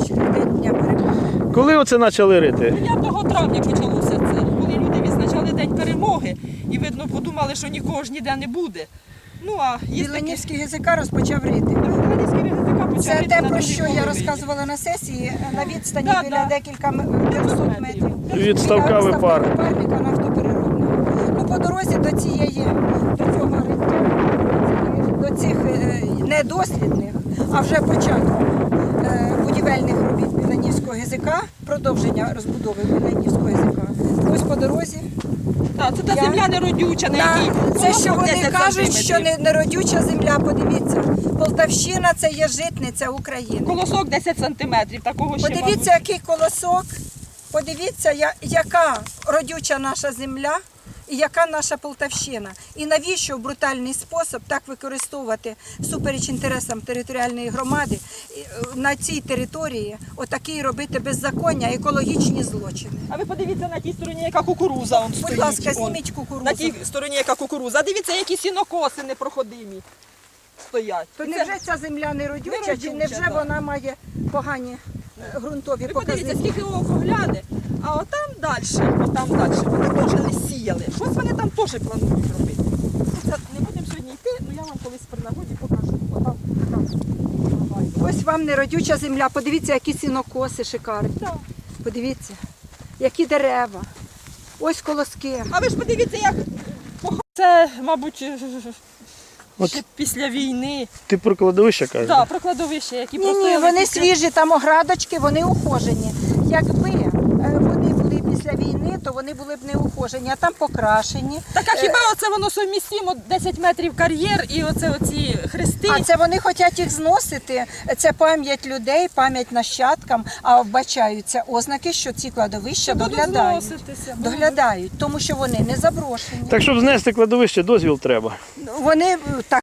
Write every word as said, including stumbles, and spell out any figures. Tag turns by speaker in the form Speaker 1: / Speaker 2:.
Speaker 1: день дня перемоги.
Speaker 2: Коли оце почали рити?
Speaker 3: дев'ятого травня почалося це, коли люди відзначали День перемоги і, видно, подумали, що нікого ж ніде не буде. Ну, а є такі...
Speaker 1: Біланівський ГЗК розпочав рити.
Speaker 3: Біланівський ГЗК почав
Speaker 1: Це
Speaker 3: рити
Speaker 1: те,
Speaker 3: на
Speaker 1: про
Speaker 3: другій
Speaker 1: що я
Speaker 3: половині.
Speaker 1: розказувала на сесії, на відстані
Speaker 3: Да,
Speaker 1: біля
Speaker 3: да.
Speaker 1: декілька м- п'ятсот метрів.
Speaker 2: Від ставка
Speaker 1: Біля
Speaker 2: випар.
Speaker 1: випарника нафтопереробного. Ну, по дорозі до цієї, до цього риття, до цих е, недослідних, а вже початку е, будівельних робіт Біланівського ГЗК, продовження розбудови Біланівського ГЗК. Ось по дорозі.
Speaker 3: Так, це та
Speaker 1: Я-
Speaker 3: земля неродюча, на
Speaker 1: Да,
Speaker 3: якій
Speaker 1: це що
Speaker 3: колосок
Speaker 1: вони
Speaker 3: десять
Speaker 1: кажуть, що
Speaker 3: сантиметрів.
Speaker 1: не неродюча земля, подивіться. Полтавщина це є житниця України.
Speaker 3: Колосок десять сантиметрів, такого ще,
Speaker 1: Подивіться, який колосок, подивіться, я- яка родюча наша земля і яка наша Полтавщина. І навіщо в брутальний спосіб так використовувати всупереч інтересам територіальної громади і, е, на цій території отакий робити беззаконня, екологічні злочини.
Speaker 3: А ви подивіться на тій стороні, яка кукуруза он стоїть.
Speaker 1: Будь ласка,
Speaker 3: он.
Speaker 1: зніміть кукурудзу.
Speaker 3: На тій стороні, яка кукуруза. А дивіться, які сінокоси непроходимі стоять.
Speaker 1: То
Speaker 3: І це-
Speaker 1: невже ця земля не родюча,
Speaker 3: Не
Speaker 1: чи
Speaker 3: родюча,
Speaker 1: невже
Speaker 3: да.
Speaker 1: вона має погані е, ґрунтові
Speaker 3: Ви подивіться,
Speaker 1: показники?
Speaker 3: скільки око гляне, а отам далі, отам далі, вони теж не сіяли. Щось вони там теж планують робити. Це не будемо сьогодні йти, ну я вам колись при нагоді покажу. Отам, отам.
Speaker 1: Ось вам неродюча земля, подивіться, які сінокоси шикарні.
Speaker 3: Так.
Speaker 1: Подивіться, які дерева. Ось колоски.
Speaker 3: А ви ж подивіться, як пох- це, мабуть,
Speaker 2: От.
Speaker 3: ще після війни.
Speaker 2: Ти про кладовище кажеш?
Speaker 3: Так, про кладовище, які
Speaker 1: Ні, ні,
Speaker 3: простояли
Speaker 1: вони
Speaker 3: після-
Speaker 1: свіжі, там оградочки, вони ухожені. Якби е, вони були після війни, то вони були б не ухожені, а там покрашені.
Speaker 3: Так а хіба оце воно совмістимо десять метрів кар'єр і оце оці хрести?
Speaker 1: А це вони хочуть їх зносити. Це пам'ять людей, пам'ять нащадкам, а вбачаються ознаки, що ці кладовища
Speaker 3: Будуть
Speaker 1: доглядають.
Speaker 3: зноситися, будуть.
Speaker 1: Доглядають, тому що вони не заброшені.
Speaker 2: Так, щоб знести кладовище, дозвіл треба.
Speaker 1: Вони е, так